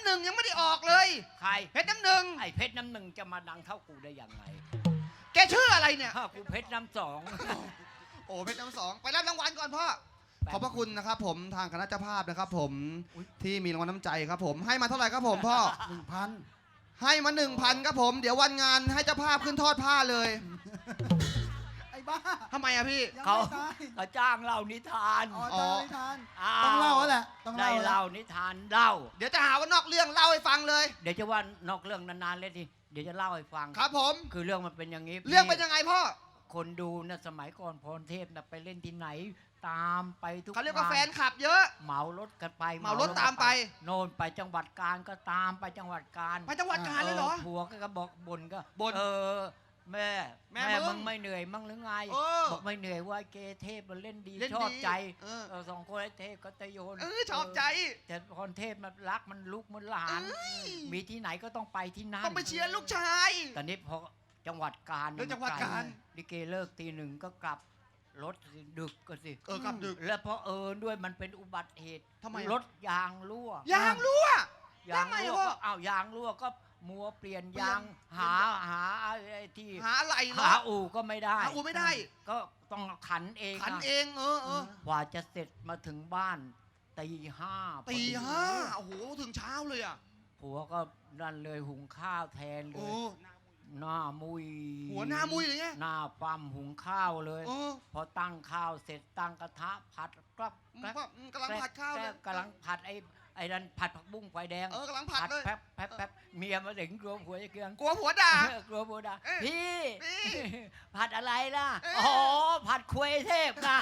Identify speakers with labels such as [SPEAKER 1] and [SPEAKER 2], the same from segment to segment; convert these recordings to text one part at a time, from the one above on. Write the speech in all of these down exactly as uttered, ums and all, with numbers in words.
[SPEAKER 1] หนึ่งยังไม่ได้ออกเลย
[SPEAKER 2] ใคร
[SPEAKER 1] เพชรน้ำหนึ่ง
[SPEAKER 2] ไอ้เพชรน้ำหนึ่งจะมาดังเท่ากูได้ยังไง
[SPEAKER 1] แกชื่ออะไรเนี่ย
[SPEAKER 2] ถ้ากูเพชรน้ำสอง
[SPEAKER 1] โอ้เพชรน้ำสองไปรับรางวัลก่อนพ่อขอบพระคุณนะครับผมทางคณะเจ้าภาพนะครับผมที่มีรางวัลน้ำใจครับผมให้มาเท่าไหร่ครับผมพ่อ
[SPEAKER 3] หนึ่งพัน
[SPEAKER 1] ให้มาหนึ่งพันครับผมเดี๋ยววันงานให้เจ้าภาพขึ้นทอดผ้าเลย
[SPEAKER 3] ไอ้บ้า
[SPEAKER 1] ทำไมอะพี่
[SPEAKER 3] ยัง
[SPEAKER 2] เขา
[SPEAKER 3] ไม่ตาย
[SPEAKER 2] เขาจ้างเล่านิทาน
[SPEAKER 3] อ๋อตายไม่ทัน
[SPEAKER 2] อ้า
[SPEAKER 3] ต้อง
[SPEAKER 2] ว
[SPEAKER 3] เล่าแล้วแหละต้อง
[SPEAKER 2] ได้
[SPEAKER 3] เล่าแล้ว
[SPEAKER 2] เล่านิทานเล่า
[SPEAKER 1] เดี๋ยวจะหาว่านอกเรื่องเล่าให้ฟังเลย
[SPEAKER 2] เดี๋ยวจะว่านอกเรื่องนานๆเลยทีเดี๋ยวจะเล่าให้ฟัง
[SPEAKER 1] ครับผม
[SPEAKER 2] คือเรื่องมันเป็นอย่างนี้
[SPEAKER 1] เรื่องเป็นยังไงพ่อ
[SPEAKER 2] คนดูนะสมัยก่อนพรเทพนะไปเล่นที่ไหน ตามไปทุก
[SPEAKER 1] เขาเรียกว่าแฟน
[SPEAKER 2] ง
[SPEAKER 1] คลับเยอะ
[SPEAKER 2] เหมารถกันไป
[SPEAKER 1] เหมารถตามไป
[SPEAKER 2] โน่นไปจังหวัดกาญก็ตามไปจังหวัดกาญ
[SPEAKER 1] ไปจังหวัดกาญเลยเหรอ
[SPEAKER 2] ผัวก็บอกบ่นก็
[SPEAKER 1] บ่น
[SPEAKER 2] เออแม่
[SPEAKER 1] แม่
[SPEAKER 2] แม่
[SPEAKER 1] มึ
[SPEAKER 2] มึ
[SPEAKER 1] ง
[SPEAKER 2] งไม่เหนื่อยมั่งหรือไง
[SPEAKER 1] เออ
[SPEAKER 2] บอกไม่เหนื่อยว่าเกเทพมันเล่นดี
[SPEAKER 1] เล่น
[SPEAKER 2] ชอบ
[SPEAKER 1] ดี
[SPEAKER 2] ใจ
[SPEAKER 1] เออ
[SPEAKER 2] เออสองคนไอ้เทพก็ตะโยน
[SPEAKER 1] เออชอบใจ
[SPEAKER 2] แต่พรเทพมันรักมันลุกมันหลาน
[SPEAKER 1] เอ้ย
[SPEAKER 2] มีที่ไหนก็ต้องไปที่นั่น
[SPEAKER 1] ต้องไปเชียร์ลูกชาย
[SPEAKER 2] ตอนนี้พอจังหวัดกาญ
[SPEAKER 1] เรื่องจังหวัดกาญ
[SPEAKER 2] ลิเกเลิกตีหนึ่งก็กลับรถดึกก็สิ
[SPEAKER 1] เออกลับดึก
[SPEAKER 2] แล้วเพราะเอิญด้วยมันเป็นอุบัติเหตุ
[SPEAKER 1] ทำไมอะ
[SPEAKER 2] รถยางรั่ว
[SPEAKER 1] ยางรั่วย
[SPEAKER 2] าง
[SPEAKER 1] ทำไม
[SPEAKER 2] รั่ว
[SPEAKER 1] วะ
[SPEAKER 2] ก็อ้าวยางรั่วก็มัวเปลี่ยน
[SPEAKER 1] เปลี่ยน
[SPEAKER 2] ยางหาหาไอ้ที่
[SPEAKER 1] หาอะไรเหรอ
[SPEAKER 2] หาอู่ก็ไม่ได้
[SPEAKER 1] หาอูไม่ได้
[SPEAKER 2] ก็ต้องขันเอง
[SPEAKER 1] ขัน
[SPEAKER 2] อะ
[SPEAKER 1] เองเออเออก
[SPEAKER 2] ว่าจะเสร็จมาถึงบ้านตีห้าพอ
[SPEAKER 1] ตี
[SPEAKER 2] ดี
[SPEAKER 1] ห้าโอ้โหถึงเช้าเลยอ่ะ
[SPEAKER 2] ผัวก็นั่นเลยหุงข้าวแทนเล
[SPEAKER 1] โอ้
[SPEAKER 2] ย หน้ามุย
[SPEAKER 1] หัวหน้ามุ้ยเลยไง
[SPEAKER 2] หน้าปั๊มหุงข้าวเลย
[SPEAKER 1] เออ
[SPEAKER 2] พอตั้งข้าวเสร็จตั้งกระทะผัดกรับแกรบ
[SPEAKER 1] กำลังผัดข้าวเลย
[SPEAKER 2] กำลังผัดไอ้ไอ้นั่นผัดผักบุ้งไฟแดง
[SPEAKER 1] เออกำลังผัดเลย
[SPEAKER 2] แป๊บแป๊บแป๊บเมียมาถึงกลัวผัวจะเกลือง
[SPEAKER 1] กลัวผัวด่า
[SPEAKER 2] เออกลัวผัวด่า
[SPEAKER 1] เอ้ย
[SPEAKER 2] พี่
[SPEAKER 1] พี่
[SPEAKER 2] ผัดอะไรล่ะ
[SPEAKER 1] เอ้ย
[SPEAKER 2] อ๋อผัดควยเทพนะ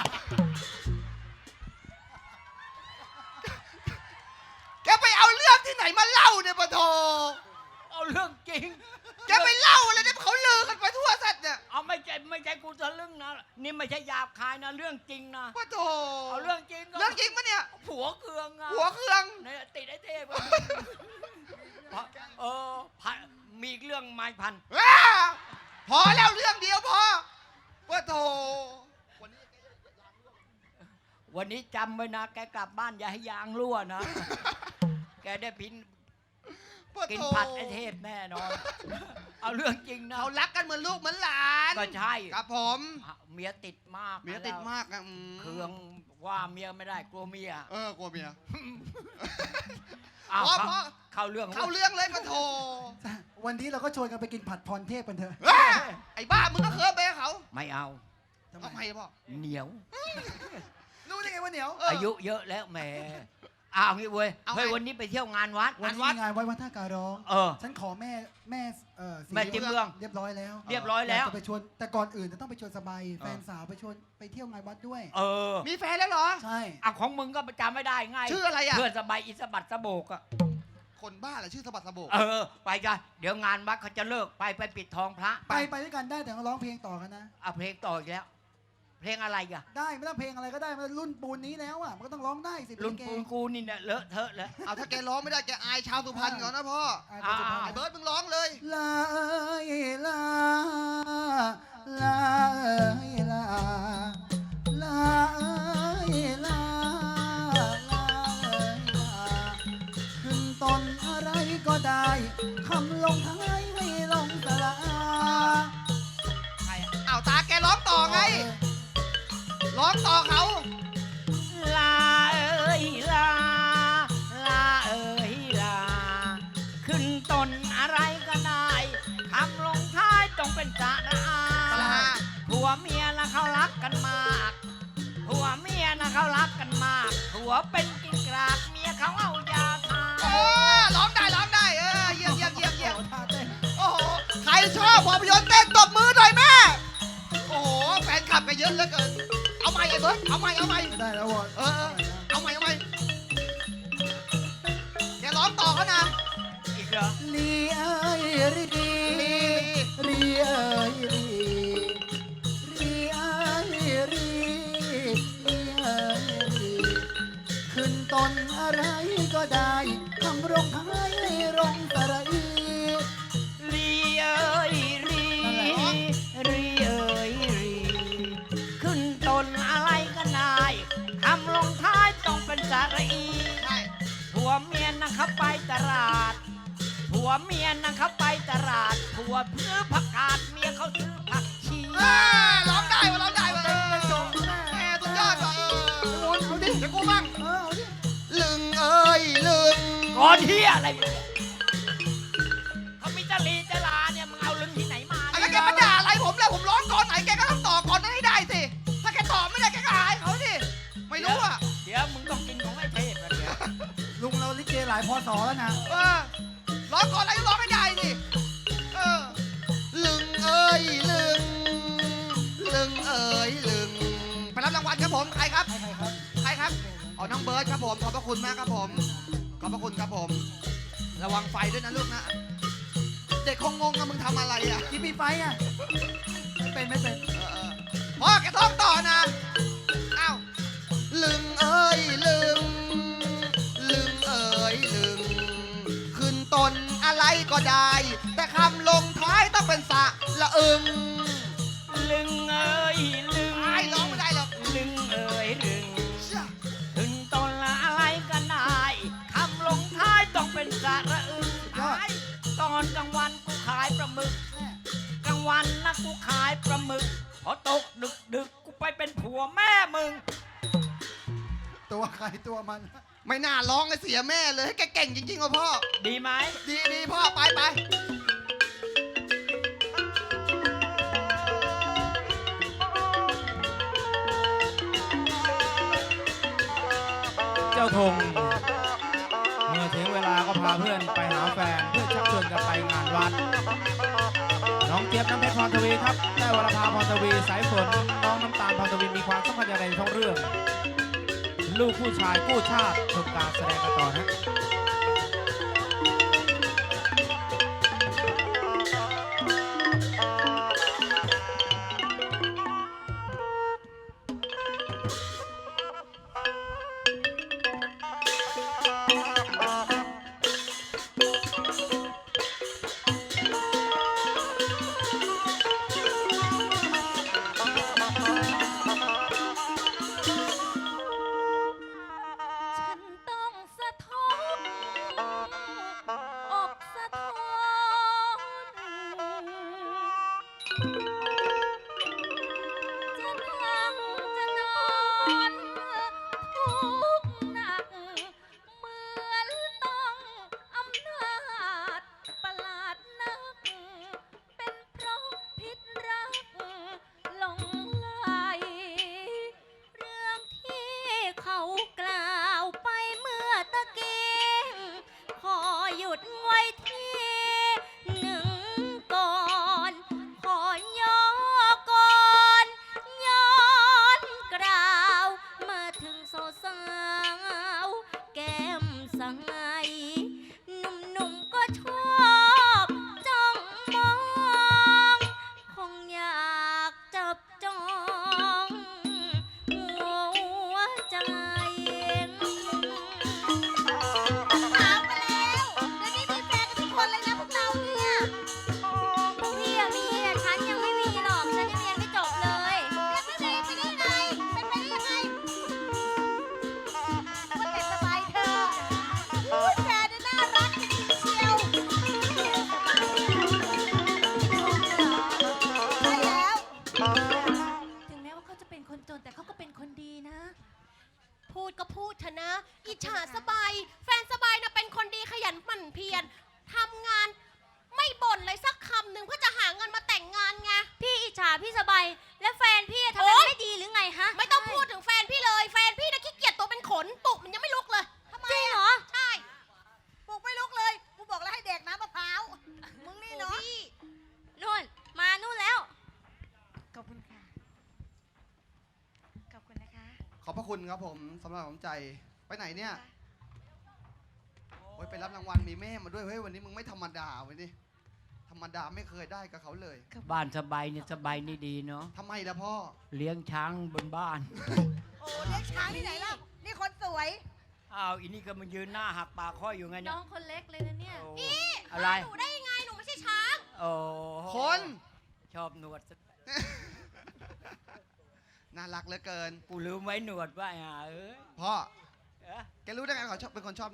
[SPEAKER 1] แกไปเอาเรื่องที่ไหนมาเล่าเนี่ยปะโถ
[SPEAKER 2] เอาเรื่องจริง
[SPEAKER 1] แกไปเล่าอะไรเนี่ยเขาลือกันไปทั่วสัตว์เนี่ย
[SPEAKER 2] เอาไม่ใช่ไม่ใช่กูทะลึ่งนะนี่ไม่ใช่หยาบคายนะเรื่องจริงนะ
[SPEAKER 1] ปะโถ
[SPEAKER 2] เอาเรื่องจริงก็
[SPEAKER 1] เรื่องจริงปะเนี่ย
[SPEAKER 2] ผัวเคืองอะ
[SPEAKER 1] หัวเครื่อง
[SPEAKER 2] เนี่ยติดไอ้เทพอะ เพราะเออพันมีอีกเรื่องไม้พัน
[SPEAKER 1] อ้าพอแล้วเรื่องเดียวพอปะโถ
[SPEAKER 2] วันนี้จำไว้นะ แกกลับบ้านอย่าให้ยางรั่วนะ แกได้พิน
[SPEAKER 1] ปะ
[SPEAKER 2] กิน
[SPEAKER 1] โถ
[SPEAKER 2] ผัดไอ้เทพแน่นอน เอาเรื่องจริงนะ
[SPEAKER 1] เขารักกันเหมือนลูกเหมือนหลาน
[SPEAKER 2] ก็ใช่
[SPEAKER 1] ครับผม
[SPEAKER 2] เมียติดมาก
[SPEAKER 1] เมียติดมากอะอืม
[SPEAKER 2] เครื่องว่าเมียไม่ได้กลัวเมีย
[SPEAKER 1] เออกลัวเมีย
[SPEAKER 2] อ้าว
[SPEAKER 1] พอ
[SPEAKER 2] เข้า
[SPEAKER 1] พอ
[SPEAKER 2] เข้าเรื่อง
[SPEAKER 1] เข้าเรื่องเลยปะโถ
[SPEAKER 3] วันนี้เราก็ชวนกันไปกินผัดพรเทพกันเถอะ
[SPEAKER 1] เอ้ยไอ้บ้ามึงก็เคยไปกับเขา
[SPEAKER 2] ไม่เอา
[SPEAKER 3] ทำ
[SPEAKER 1] ทำไม
[SPEAKER 3] ไม
[SPEAKER 1] พ่อ
[SPEAKER 2] เหนียว
[SPEAKER 3] รู้ได้ไงว่าเหนียว
[SPEAKER 1] เอออ
[SPEAKER 2] อายุเยอะแล้วแหมอ้าวงี้เว้ย
[SPEAKER 1] เอาไง
[SPEAKER 2] เฮ้ยวันนี้ไปเที่ยวงานวัด
[SPEAKER 3] วันนี้งานวัดวัดท่าการร้อง
[SPEAKER 2] เออ
[SPEAKER 3] ฉันขอแม่แม่เออศรี
[SPEAKER 2] แม่จิ้มเมือง
[SPEAKER 3] เรียบร้อยแล้ว
[SPEAKER 2] เรียบร้อยแล้ว
[SPEAKER 3] ากจะไปชวนแต่ก่อนอื่นจะต้องไปชวนสบายแฟนสาวไปชวนไปเที่ยวงานวัดด้วย
[SPEAKER 2] เออ
[SPEAKER 1] มีแฟนแล้วเหรอ
[SPEAKER 3] ใช่
[SPEAKER 2] อ่ะของมึงก็จำไม่ได้ไง
[SPEAKER 1] ชื่ออะไรอ่ะ
[SPEAKER 2] เพื่อนสบายอิสบัดสะโบกอะ
[SPEAKER 1] คนบ้าเหรอชื่อสะบัดสะโบก
[SPEAKER 2] เออ ไปจ้ะเดี๋ยวงานวัดเขาจะเลิกไปไปปิดทองพระ
[SPEAKER 3] ไปไปด้วยกันได้แต่ต้องร้องเพลงต่อกันนะ
[SPEAKER 2] เอาเพลงต่ออีกแล้ว เพลงอะไรอ่ะ
[SPEAKER 3] ได้ไม่ต้องเพลงอะไรก็ได้มันรุ่นปูนนี้แล้วอ่ะมันก็ต้องร้องได้สิ
[SPEAKER 2] รุ่น
[SPEAKER 3] เพล
[SPEAKER 2] ปู
[SPEAKER 3] ง
[SPEAKER 2] นกูนี่เนี่ยเลอะเทอะเลย
[SPEAKER 1] เอาถ้าแกร้องไม่ได้แกอายชาวสุพรรณก่อนนะพ่อ
[SPEAKER 3] อ่ะปัจจุบัน
[SPEAKER 1] ไอ้เบิร์ดมึงร้องเลย
[SPEAKER 3] ลาเอ้ยลาลาเอ้ยลาลาเอ้ยลาลาเอ้ยลาขึ้นต้นอะไรก็ได้คำลงท้ายไม่ลงสระอา
[SPEAKER 1] ใครอะเอาตาแกร้องต่อไง ร้องต่อเขา
[SPEAKER 2] ลาเอ้ยลา ลาเอ้ยลา ขึ้นต้นอะไรก็ได้คำลงท้ายต้องเป็นสระอา
[SPEAKER 1] สระอา
[SPEAKER 2] ผัวเมียนะเขารักกันมากผัวเมียนะเขารักกันมากผัวเป็นกินกรากเมียเขาเอายาทา
[SPEAKER 1] เออร้องได้ร้องได้เออเยี่ยมเยี่ยมเยี่ยมเยี่ยม
[SPEAKER 3] โอ้ท่าเต้น
[SPEAKER 1] โอ้โหใครชอบภาพยนตร์เต้นตบมือหน่อยแม่โอ้โหแฟนคลับกันเยอะเหลือเกินเอาใหม่ไอ้เบิร์ดเอาใหม่เอาใหม่
[SPEAKER 3] ได้แล้ววะ
[SPEAKER 1] เออเออเอาใหม่เอาใหม่แกร้องต่อเขานะ
[SPEAKER 2] อีกเหรอ
[SPEAKER 3] ลีเอ้ยรีรีเอ้ยรีรีเอ้ยรีรีเอ้ยรีขึ้นต้นอะไรก็ได้คำรงท้ายให้รงสระอี
[SPEAKER 2] ลีเอ้ยลีลีเอ้ยลีขึ้นต้นอะไรก็ได้คำลงท้ายต้องเป็นสระอี
[SPEAKER 1] ใช่
[SPEAKER 2] ผัวเมียนะเขาไปตลาดผัวเมียนะเขาไปตลาดผัวซื้อผักกาดเมียเขาซื้อผักชี
[SPEAKER 1] เอ้ยร้องได้วะร้องได้วะ
[SPEAKER 3] เต้นกระจกแม่
[SPEAKER 1] แหมสุดยอดว่ะเออ
[SPEAKER 3] เอาดิ
[SPEAKER 1] เดี๋ยวกูบ้าง
[SPEAKER 3] เออเอาดิ
[SPEAKER 1] ลึงเอ้ยลึง
[SPEAKER 2] ก่อนที่อะไรเนี่ยเขามีจรีจลาเนี่ยมึงเอาลึงที่ไหนมา
[SPEAKER 1] อะไรแกมาด่าอะไรผมเลยผมร้องก่อนไหนแกก็ต้องต่อก่อนนั้นให้ได้สิถ้าแกตอบไม่ได้แกก็อายเขาสิไม่รู้อ่ะ
[SPEAKER 2] เดี๋ยวมึงต้องกินของไอ้เทพนะเดี๋ยว
[SPEAKER 3] ลุงเราลิเกหลายพศแล้วนะ
[SPEAKER 1] เออร้องก่อนอะไรก็ร้องให้ได้สิเออลึงเอ้ยลึงลึงเอ้ยลึงไปรับรางวัลครับผมใครครับ
[SPEAKER 3] ใครใครครับ
[SPEAKER 1] ใครครับอ๋อน้องเบิร์ดครับผมขอบพระคุณมากครับผมขอบพระคุณครับผม ระวังไฟด้วยนะลูกนะ เด็กคงงงอะมึงทำอะไรอ่ะ
[SPEAKER 3] กินมีไฟอ่ะไม่เป็นไม่เป็น
[SPEAKER 1] เออเออพ่อแกท้องต่อนะอ้าวลึงเอ้ยลึงลึงเอ้ยลึงขึ้นต้นอะไรก็ได้ แต่คำลงท้ายต้องเป็นสะละอึง
[SPEAKER 2] ลึงเอ้ยลึง
[SPEAKER 1] ไอ้ร้องไม่ได้หรอก
[SPEAKER 2] ลึงเอ้ยลึงถึงต้นละอะไรก็ได้คำลงท้ายต้องเป็นสระอึงไอ้ตอนกลางวันกูขายปลาหมึกกลางวันนะกูขายปลาหมึกพอตกดึกดึกๆกูไปเป็นผัวแม่มึง
[SPEAKER 3] ตัวใครตัวมัน
[SPEAKER 1] ไม่น่าร้องเลยเสียแม่เลยให้แกเก่งจริงๆว่ะพ่อ
[SPEAKER 2] ดีไหม
[SPEAKER 1] ดีดีพ่อไปไป
[SPEAKER 4] เจ้าธงเมื่อถึงเวลาก็พาเพื่อนไปหาแฟนเพื่อชักชวนกันไปงานวัดน้องเจี๊ยบน้ำเพชรพรทวีครับได้วรภาพรทวีสายฝนน้องน้ำตาลพรทวีมีความสัมพันธ์อย่างไรในท้องเรื่อง ลูกผู้ชายกู้ชาติชมการแสดงกันต่อนะ
[SPEAKER 5] ฉันต้องสะท้อนอกสะท้อนจะนั่งจะนอนทุกข์หนัก เหมือนต้องอำนาจประหลาดนัก เป็นเพราะพิษรักหลงไหล เรื่องที่เขากล่าวไปเมื่อตะกี้ ขอหยุดไว้ที่หนึ่งก่อน ขอย่อก่อนย้อนกล่าวมาถึงสาวๆแก้มใสหนุ่มๆก็ชอบจ้องมอง คงอยากจับจองหัวใจถามมาแล้วเดี๋ยวนี้มีแฟนกันทุกคนเลยนะพวกเราเนี่ยพวกพี่อะมีแต่ฉันยังไม่มีหรอก ฉันยังเรียนไม่จบเลยเรียนไม่ดีไปได้ไงเป็นไปได้ยังไงว่าแต่สบายเธอพูดแฟนเนี่ยน่ารักจริงๆเชียวใช่แล้ว ถึงแม้ว่าเขาจะเป็นคนจนแต่เขาก็เป็นคนดีนะ
[SPEAKER 6] พูดก็พูดเถอะนะ อิจฉาสบาย แฟนสบายนะเป็นคนดีขยันหมั่นเพียรทำงานไม่บ่นเลยสักคำหนึ่งเพื่อจะหาเงินมาแต่งงานไง
[SPEAKER 5] พี่อิจฉาพี่สบาย และแฟนพี่ทำ
[SPEAKER 6] โอ๊
[SPEAKER 5] งาน
[SPEAKER 6] ย
[SPEAKER 5] ไม่ดีหรือไงฮะ
[SPEAKER 6] ไม่ต้องพูดถึงแฟนพี่เลย แฟนพี่นะขี้เกียจตัวเป็นขนปลุกมันยังไม่ลุกเลยทำไม
[SPEAKER 5] จริงเหรอ
[SPEAKER 6] ใช่
[SPEAKER 7] ปลูกไม่ลุกเลย กูบอกแล้วให้เด็กน้ำมะพร้าว มึงนี่เนาะ
[SPEAKER 6] พี่
[SPEAKER 5] นู่น มานู่นแล้ว
[SPEAKER 7] ขอบคุณค่ะ ขอบคุณนะคะ
[SPEAKER 1] ขอบพระคุณครับผมสำหรับน้ำใจไปไหนเนี่ยโอ้ยไปรับรางวัลมีแม่มาด้วยเฮ้ยวันนี้มึงไม่ธรรมดาเว้ยนี่ธรรมดาไม่เคยได้กับเขาเลย
[SPEAKER 2] บ้านสบายเนี่ยสบายนี่ดีเนาะ
[SPEAKER 1] ทำไมล่ะพ่อ
[SPEAKER 2] เลี้ยงช้างบนบ้าน
[SPEAKER 7] โอ้เลี้ยงช้างที่ไหนล่ะ นี่คนสวย
[SPEAKER 2] อ้าวอีนี่ก็มายืนหน้าหักปากข้ออยู่ไงเนี่
[SPEAKER 5] น้
[SPEAKER 2] ย
[SPEAKER 5] องคนเล็กเลยนะเนี่ย
[SPEAKER 2] โอ้
[SPEAKER 6] พี่
[SPEAKER 2] อะไร
[SPEAKER 6] หนูได้ยังไง หนูไม่ใช่ช้าง
[SPEAKER 2] โอ้
[SPEAKER 1] คน
[SPEAKER 2] ชอบหนวด
[SPEAKER 1] น่ารักเหลือเกิน
[SPEAKER 2] กูลืมไว้หนวดว่าอ่ะเอ้ย
[SPEAKER 1] พ่อ
[SPEAKER 2] เอ๊ะ
[SPEAKER 1] แกรู้ได้ไงเขาชอบเป็นคนชอบหนวด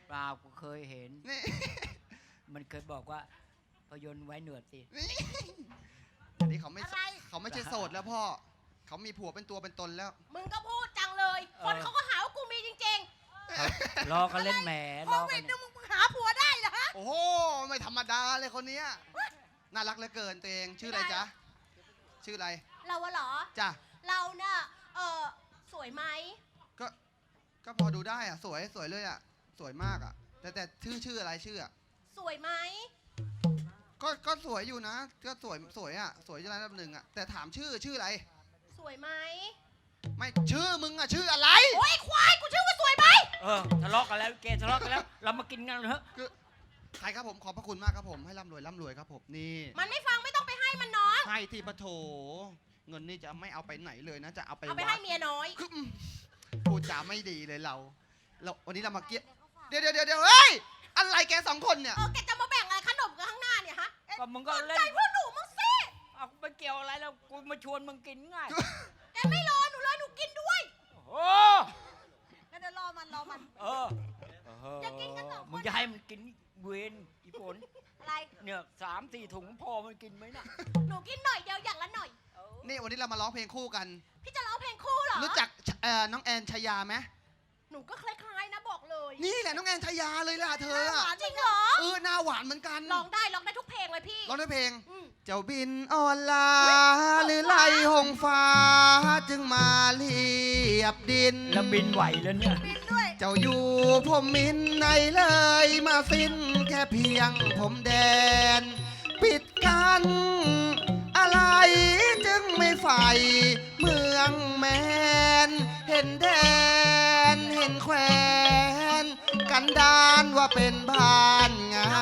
[SPEAKER 2] เปล่ากูเคยเห็น
[SPEAKER 1] นี่
[SPEAKER 2] มันเคยบอกว่าพยนต์ไว้หนวดสิ
[SPEAKER 1] นี่อันนี้เขาไม่
[SPEAKER 6] อะไร
[SPEAKER 1] เขาไม่ใช่โสดแล้วพ่อ เขามีผัวเป็นตัวเป็นตนแล้ว
[SPEAKER 6] มึงก็พูดจังเลย คนเขาก็หาว่ากูมีจริง
[SPEAKER 2] รอกันเล่นแหม
[SPEAKER 6] ๆโค
[SPEAKER 2] รอ
[SPEAKER 6] วิ
[SPEAKER 2] กั
[SPEAKER 6] ด
[SPEAKER 2] น
[SPEAKER 6] นึงมึงหาผัวได้เหรอฮะ
[SPEAKER 1] โอ้โห ไม่ธรรมดาเลยคนเนี้ยน่ารักเหลือเกินตัวเอง ชื่ออะไรจ๊ะ ชื่ออะไร
[SPEAKER 6] เราอะเหรอ
[SPEAKER 1] จ้ะ
[SPEAKER 6] เราน่ะ เออสวยไหม
[SPEAKER 1] ก็ ก็พอดูได้อะสวย สวยเลยอะสวยมากอะแต่แต่ชื่อชื่ออะไรชื่ออะ
[SPEAKER 6] สวยไหม
[SPEAKER 1] ก็ ก็สวยอยู่นะ ก็สวย สวยอะสวยระดับหนึ่งอะแต่ถามชื่อ ชื่ออะไร
[SPEAKER 6] สวยไหม
[SPEAKER 1] ไม่ ชื่อมึงอะชื่ออะไร
[SPEAKER 6] โอ้ยควาย กูชื่อว่าสวยไหม
[SPEAKER 2] เออทะเลาะกันแล้วเกทะเลาะกันแล้ว เรามากินกันเถอะ
[SPEAKER 1] ใครครับผม ขอบพระคุณมากครับผม ให้ร่ำรวยร่ำรวยครับผม นี่
[SPEAKER 6] มันไม่ฟังไม่ต้องไปให้มันน้อง
[SPEAKER 1] ให้ที่ปะโถ เงินนี่จะไม่เอาไปไหนเลยนะ จะเอาไป
[SPEAKER 6] เอาไป
[SPEAKER 1] วั
[SPEAKER 6] ให้
[SPEAKER 1] ด
[SPEAKER 6] เมียน้อย
[SPEAKER 1] คืออืมพูดจาไม่ดีเลยเรา เราวันนี้เรามาเกี้ยเดี๋ยวเดี๋ยวเดี๋ยวเดี๋ยวเฮ้ย อะไรแกสองคนเนี่ย
[SPEAKER 6] เออ แกจะมาแบ่งอะไรขนมกันข้างหน้าเนี่ยฮะเอ๊ะ
[SPEAKER 2] ก็มึงก็เล่น
[SPEAKER 6] ใจเพื่อนหนูมึงสิ
[SPEAKER 2] เอาไปเกี่ยวอะไรแล้วกูมาชวนมึงกินง่าย
[SPEAKER 6] แกไม่รอหนูเลยหนูกินด้วย
[SPEAKER 2] โอ้
[SPEAKER 6] งั้นเดี๋ยวรอมันรอมัน
[SPEAKER 2] เออ
[SPEAKER 6] อย่ากินกันสองคน
[SPEAKER 2] มึงจะให้มันกินเวนอีฝน
[SPEAKER 6] อะไร
[SPEAKER 2] เนี่ยสามสี่ถุงพอมันกินไหมน่ะ
[SPEAKER 6] หนูกินหน่อยเดียวอย่างละหน่อย
[SPEAKER 1] นี่วันนี้เรามาร้องเพลงคู่กัน
[SPEAKER 6] พี่จะร้องเพลงคู่เหรอ
[SPEAKER 1] รู้จักเอ่อน้องแอนชยาไหม
[SPEAKER 6] หนูก็คล้ายๆนะบอกเลย
[SPEAKER 1] นี่แหละน้องแอนชยาเลยล่ะเธออะ
[SPEAKER 6] จริงเหรอ
[SPEAKER 1] เออหน้าหวานเหมือนกัน
[SPEAKER 6] ร้องได้ร้องได้ทุกเพลงเลยพี่
[SPEAKER 1] ร้องด้วยเพลง
[SPEAKER 6] อืม
[SPEAKER 1] เจ้าบินออนลาหรือไล่หงฟ้าจึงมาเรียบดิน
[SPEAKER 2] แล้วบินไหวแล้วเนี่ย
[SPEAKER 6] บินด้วย
[SPEAKER 1] เจ้าอยู่ผมมินในเลยมาสิ้นแค่เพียงผมแดน ปิดกันอะไรจึงไม่ใฝ่เมืองแมน เห็นแดนเห็นแควนกันดานว่าเป็นบ้านงาม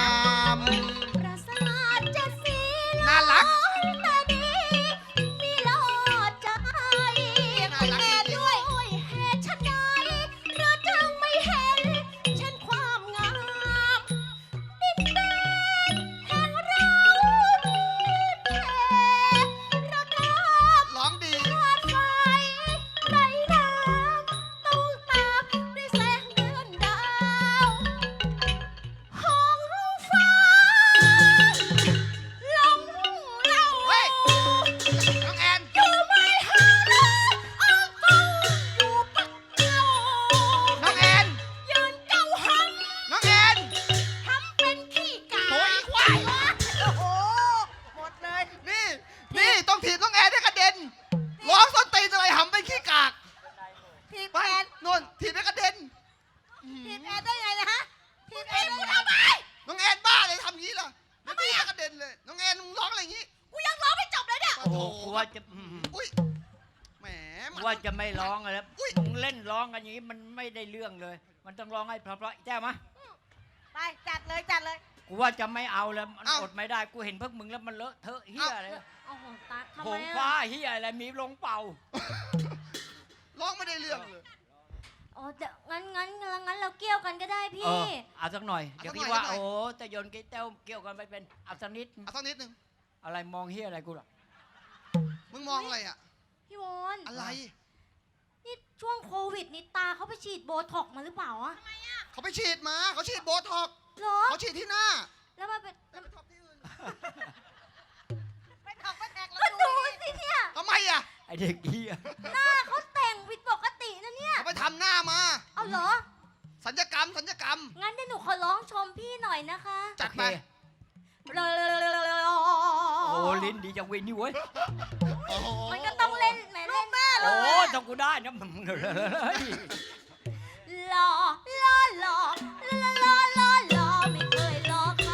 [SPEAKER 6] ปราสาทเจ็ดสี
[SPEAKER 1] น่ารัก
[SPEAKER 6] แต่ดีมีลอดใจ
[SPEAKER 1] น่ารัก
[SPEAKER 6] แต่
[SPEAKER 1] จริงๆ
[SPEAKER 6] ด้วยเหตุชะใดหรือจึงไม่เห็นเช่นความงาม ดินแดนแห่งเราดีแท้ระดับ
[SPEAKER 1] ร้องดี
[SPEAKER 6] วาดไฟไร้น้ำต้องตามด้วยแสงเดือนดาวห้องฟ้าลงเรา
[SPEAKER 1] เฮ้ย น้องแอน
[SPEAKER 6] อยู่ไม่ห่างเลยออกตู้อยู่ปักเดียว
[SPEAKER 1] น้องแอน
[SPEAKER 6] ยืนเจ้าห
[SPEAKER 1] น้องแอน
[SPEAKER 6] ำทำเป็นขี้กา
[SPEAKER 1] โถ่อีควาย
[SPEAKER 6] โอ้โห หมดเลย
[SPEAKER 1] นี่ นี่ต้องถีบน้องแอนให้กระเด็น ร้องส้นตีนอะไรหำเป็นขี้กาก
[SPEAKER 6] ทีม
[SPEAKER 1] ไป
[SPEAKER 6] แอน
[SPEAKER 1] นนถีบให้กระเด็น
[SPEAKER 6] ทีมแอนได้ไงนะฮะทีมแอนกูทำไม
[SPEAKER 1] น้องแอนบ้าเลยทำงี้ล่ะแล้วถีบให้กระเด็นเลย น้องแอนมึงร้องอะไรอย่างงี้
[SPEAKER 6] กูยังร้องไม่จบเลยเนี่ย
[SPEAKER 2] โอ้โหกูว่าจะอืม
[SPEAKER 1] อุ้ย แหม
[SPEAKER 2] กู
[SPEAKER 1] มัน
[SPEAKER 2] ว่าจะไม่ร้องแล้ว
[SPEAKER 1] อุ๊ย
[SPEAKER 2] มึงเล่นร้องกันอย่างนี้มันไม่ได้เรื่องเลย มันต้องร้องให้เพราะๆแจ้มะ
[SPEAKER 6] ไป จัดเลย จัดเลย
[SPEAKER 2] กูว่าจะไม่เอาแล้วมันอดไม่ได้กูเห็นพวกมึงแล้วมันเลอะเทอะเฮียอะไร
[SPEAKER 6] โอ้โหตาทำ
[SPEAKER 2] ผ
[SPEAKER 6] ไม
[SPEAKER 2] ง
[SPEAKER 6] อะ
[SPEAKER 2] ฟ้าเฮียอะไรมีลงเป่า
[SPEAKER 1] ร้องไม่ได้เรื่องเลย
[SPEAKER 5] อ๋อเดี๋ยวงั้นงั้นงั้นงั้นเราเกี่ยวกันก็ได้
[SPEAKER 2] เอ
[SPEAKER 5] พี่
[SPEAKER 2] อเอาสักหน่อย
[SPEAKER 1] เอา
[SPEAKER 2] เดี๋ยว
[SPEAKER 1] สักหน่
[SPEAKER 2] พี่
[SPEAKER 1] อย
[SPEAKER 2] ว่า
[SPEAKER 1] สักหน่อย
[SPEAKER 2] โอ้แต่ยนต์กิ๊เต้วเกี่ยวกันไปเป็นเอาสักนิด
[SPEAKER 1] เอาสักนิดหนึ่ง
[SPEAKER 2] อะไรมองเฮียอะไรกูล่ะ
[SPEAKER 1] มึงมองอะไรอ่ะ
[SPEAKER 5] พี่วอน
[SPEAKER 1] อะไร
[SPEAKER 5] นี่ช่วงโควิดนี่ตาเขาไปฉีดโบท็อกซ์มาหรือเปล่าอะ
[SPEAKER 1] เขาไปฉีดมา เขาฉีดโบท็อกซ์
[SPEAKER 5] เหรอ
[SPEAKER 1] เขาฉีดที่หน้า
[SPEAKER 5] แล้วมันเป็น
[SPEAKER 1] แล้วไปท็อปที่อื่น
[SPEAKER 6] ไปถอกไปแตก
[SPEAKER 5] ก็ดูสิเนี่ย
[SPEAKER 1] ทำไมอ่ะ
[SPEAKER 2] ไอเด็กเฮีย
[SPEAKER 5] หน้าเขาแต่งผิดปกตินะเนี่ย
[SPEAKER 1] เขาไปทำหน้ามา
[SPEAKER 5] เอาเหรอ
[SPEAKER 1] สัญญกรรม สัญญกรรม
[SPEAKER 5] งั้นเดี๋ยวหนูขอร้องชมพี่หน่อยนะคะ
[SPEAKER 1] จัดไป
[SPEAKER 2] โอ้ลิ้นดีจังเวยนี่เว้ย
[SPEAKER 1] โอ้โห
[SPEAKER 5] มันก็ต้องเล่นแหมเล่นแม่
[SPEAKER 2] โอ้ต้องกูได้นะมึงเฮ้ย
[SPEAKER 5] หล่อหล่อหล่อหล่อหล่อหล่อหล่อไม่เคยหล่อใคร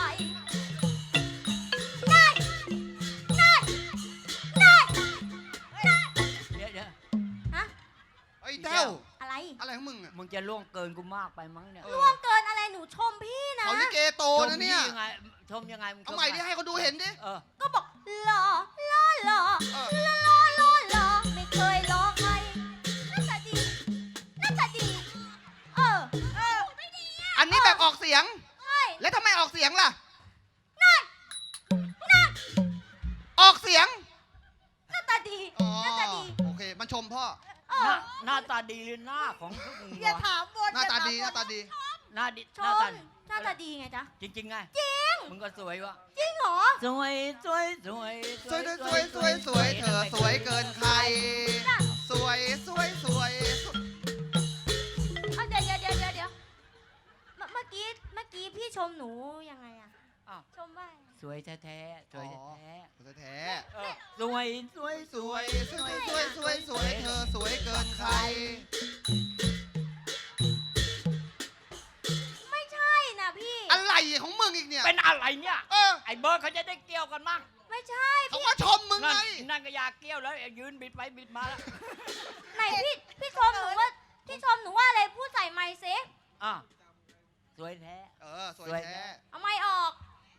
[SPEAKER 5] ได้ได้ได้
[SPEAKER 2] เดี๋ยวเดี๋ยว
[SPEAKER 5] ฮะ
[SPEAKER 1] ไอ้เต้า
[SPEAKER 5] อะไร
[SPEAKER 1] อะไรของมึงอ่ะ
[SPEAKER 2] มึงจะล่วงเกินกูมากไปมั้งเนี่ย
[SPEAKER 1] เอ
[SPEAKER 5] ล่วงเกินอะไรหนูชมพี่นะ
[SPEAKER 1] เขาลิเกโต
[SPEAKER 2] ชม
[SPEAKER 1] นะเนี่ย
[SPEAKER 2] ยังไงชมยังไงมึงช
[SPEAKER 1] เอาใหม่ดิให้เขาดูเห็นดิ
[SPEAKER 2] เออ
[SPEAKER 5] ก็บอกหล่อหล่อหล่อ
[SPEAKER 1] เออ
[SPEAKER 5] หล่อหล่อหล่อหล่อไม่เคยหล่อใครน่าจะดีน่าจะดี เออเออไม่ดีอ่ะ
[SPEAKER 1] อันนี้แบบออกเสียง
[SPEAKER 5] เฮ้ย
[SPEAKER 1] แล้วทำไมออกเสียงล่ะ
[SPEAKER 5] นั่นนั่น
[SPEAKER 1] ออกเสียง
[SPEAKER 5] หน้าตาดี
[SPEAKER 1] อ๋อ
[SPEAKER 5] หน้าตาดี
[SPEAKER 1] โอเค มันชมพ่อ
[SPEAKER 5] เอ
[SPEAKER 2] หน้า
[SPEAKER 5] อ
[SPEAKER 2] หน้าตาดีหรือหน้าของพวกมึง
[SPEAKER 6] อย่าว
[SPEAKER 2] ะ
[SPEAKER 6] ถามบน
[SPEAKER 1] หน้าตาดี
[SPEAKER 6] อย่
[SPEAKER 1] หน้า
[SPEAKER 6] ถมบ
[SPEAKER 1] ตาดี
[SPEAKER 2] หน้าดิ
[SPEAKER 6] ช
[SPEAKER 2] หน้าม ตา
[SPEAKER 6] หน้าตาดีไงจ๊ะ
[SPEAKER 2] จริงๆไง
[SPEAKER 6] จริง
[SPEAKER 2] มึงก็สวยวะ
[SPEAKER 6] จริงเหรอ
[SPEAKER 2] สวยสวยสวย
[SPEAKER 1] สวยสวยสวยสวยเธอสวยเกินใคร สวยสวยสวยสวย
[SPEAKER 6] เอาเดี๋ยวเดี๋ยวเดี๋ยวเดี๋ยวเดี๋ยวเมื่อเมื่อกี้เมื่อกี้พี่ชมหนูยังไงอะ
[SPEAKER 2] อ้าว
[SPEAKER 6] ชมว่า
[SPEAKER 2] สวยแท้ๆสวยแท้
[SPEAKER 1] สวยแท้
[SPEAKER 2] ๆเออสวยสวย
[SPEAKER 1] สวยสวยสวยสวยสวยเธอสวยเกินใคร
[SPEAKER 6] ไม่ใช่นะพี่
[SPEAKER 1] อะไรของมึงอีกเนี่ย
[SPEAKER 2] เป็นอะไรเนี่ย
[SPEAKER 1] เออ
[SPEAKER 2] ไอ้เบิร์ดเขาจะได้เกี่ยวกันมั่ง
[SPEAKER 6] ไม่ใช่
[SPEAKER 1] เขาว่าชมมึง
[SPEAKER 2] นั่
[SPEAKER 1] ไง
[SPEAKER 2] นนั่นก็อยากเกี่ยวแล้วยืนบิดไปบิดมาแล้ว
[SPEAKER 6] ไหนพี่พี่ชมหนูว่าพี่ชมหนูว่าอะไรพูดใส่ไมค์ซิ
[SPEAKER 2] อ่ะสวยแท้
[SPEAKER 1] เออสวย
[SPEAKER 2] สวย
[SPEAKER 1] แท้
[SPEAKER 2] แท้
[SPEAKER 6] เอาไมค์ออก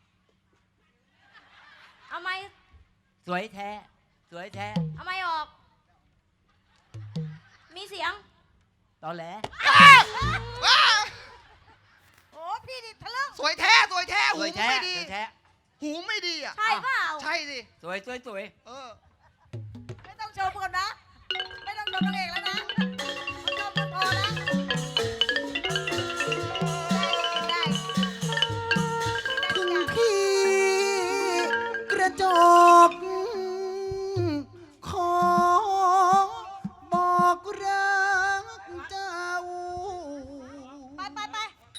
[SPEAKER 6] เอาไมค์
[SPEAKER 2] สวยแท้สวยแท้
[SPEAKER 6] เอาไมค์ออก มีเสียง
[SPEAKER 2] ตอแหล
[SPEAKER 1] ว้า
[SPEAKER 6] โอ้พี่ดิทะลึ่ง
[SPEAKER 1] สวยแท้สวยแท้
[SPEAKER 2] ส
[SPEAKER 1] หู
[SPEAKER 2] วย
[SPEAKER 1] มึง
[SPEAKER 2] แท้
[SPEAKER 1] ไม่ดี
[SPEAKER 2] สวยแท้
[SPEAKER 1] หูไม่ดีอ่ะ
[SPEAKER 6] ใช่เปล่า
[SPEAKER 1] ใช่สิ
[SPEAKER 2] สวยสวยสวย
[SPEAKER 1] เออ
[SPEAKER 6] ไม่ต้องชมก่อนนะ ไม่ต้องชมนางเอกแล้วนะชมกันพอนะได้ได้
[SPEAKER 3] ถึงพี่กระจกขอบอกรักเจ้า
[SPEAKER 6] ไปไปไป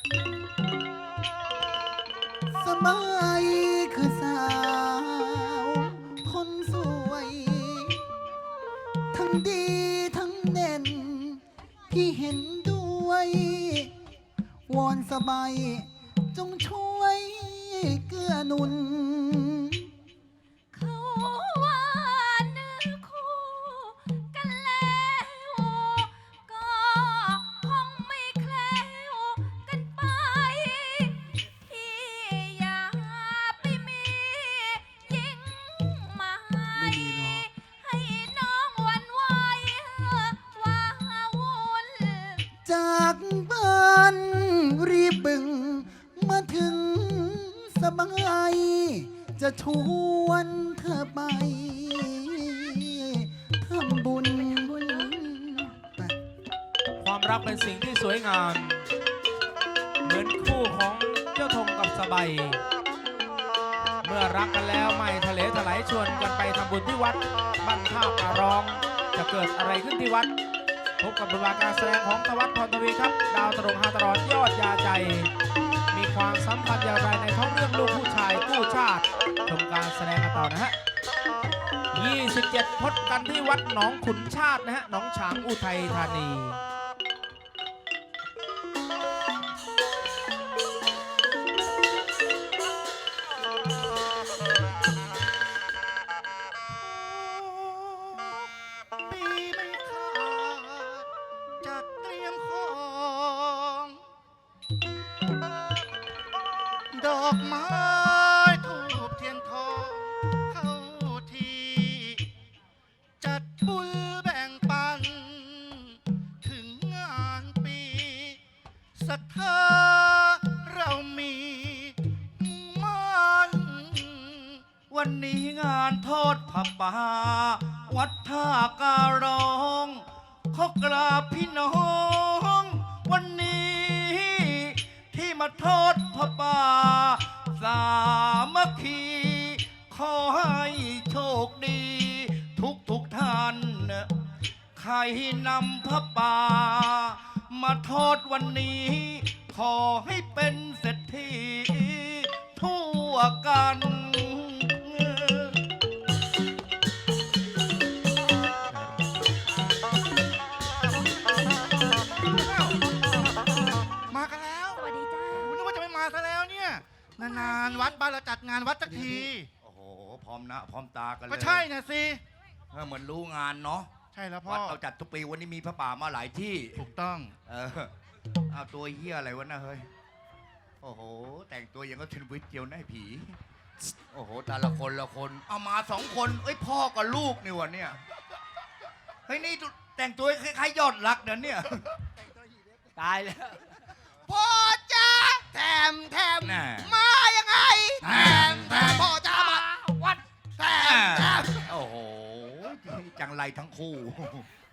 [SPEAKER 3] สมัยคือสาวคนสวย ทั้งดีทั้งเด่น พี่เห็นด้วย วอนสบายจงช่วยเกื้อหนุน
[SPEAKER 5] เขาว่าเนื้อคู่กันแล้ว ก็คงไม่แคล้วกันไป พี่อย่าไปมียิ่งหมายให้น้องหวันไหวว้าวุ่น
[SPEAKER 3] จากบ้านรีบบึงมาถึงสบายจะชวนเธอไปทำบุญไป
[SPEAKER 4] ความรักเป็นสิ่งที่สวยงาม เหมือนคู่ของเจ้าธงกับสบายเมื่อรักกันแล้วไม่ทะเลถลายชวนกันไปทำบุญที่วัดบ้านท่าการร้อง จะเกิดอะไรขึ้นที่วัด พบกับบทบาทการแสดงของตวัดพรทวีครับ ดาวตลกฮาตลอดยอดยาใจ มีความสัมพันธ์อย่างไรในท้องเรื่องลูกผู้ชายกู้ชาติชมการแสดงกันต่อนะฮะ ยี่สิบเจ็ด พบกันที่วัดหนองขุนชาตินะฮะหนองฉางอุทัยธานี
[SPEAKER 3] ปีไม่ขาดจัดเตรียมของ ดอกไม้ทูบเทียนทองเข้าทีจัดบุญแบ่งปัน ถึงงานปีศรัทธาเรามีมัน วันนี้งานทอดผ้าป่าวัดท่าการร้องขอกราบพี่น้อง วันนี้ที่มาทอดผ้าป่าสามัคคี ขอให้โชคดี ทุกทุกท่าน ใครนำผ้าป่ามาทอดวันนี้ ขอให้เป็นเศรษฐีทั่วกัน มากันแล้ว
[SPEAKER 6] สวัสดีจ้า
[SPEAKER 3] โอ้นึกว่าจะไม่มาซะแล้วเนี่ย นานๆวัดบ้านเราจัดงานวัดสักที
[SPEAKER 8] โอ้โห พร้อมหนะ พร้อมตากันเลย
[SPEAKER 3] ก็ใช่นะสิ
[SPEAKER 8] เออเหมือนรู้งานเนาะ
[SPEAKER 3] ใช่แล้วพ่อ
[SPEAKER 8] วัดเราจัดทุกปีวันนี้มีพระป่ามาหลายที่
[SPEAKER 3] ถูกต้อง
[SPEAKER 8] เออ เอาตัวเฮียอะไรวะนะเฮ้ย โอ้โห แต่งตัวอย่างก็เทนวิทเจียวหน้าผี โอ้โห แต่ละคนละคน เอามาสองคน เอ้ยพ่อกับลูกนี่วะเนี่ย เฮ้ยนี่แต่งตัวคล้ายๆยอดรักเดี๋ยวเนี่ย
[SPEAKER 2] ตายแล้ว
[SPEAKER 1] พ่อจ้าแถมแถม
[SPEAKER 8] แน่
[SPEAKER 1] มายังไงแถมแถมพ่อจ้ามา
[SPEAKER 2] วัด
[SPEAKER 1] แถมแถม
[SPEAKER 8] โอ้โห จังไรทั้งคู่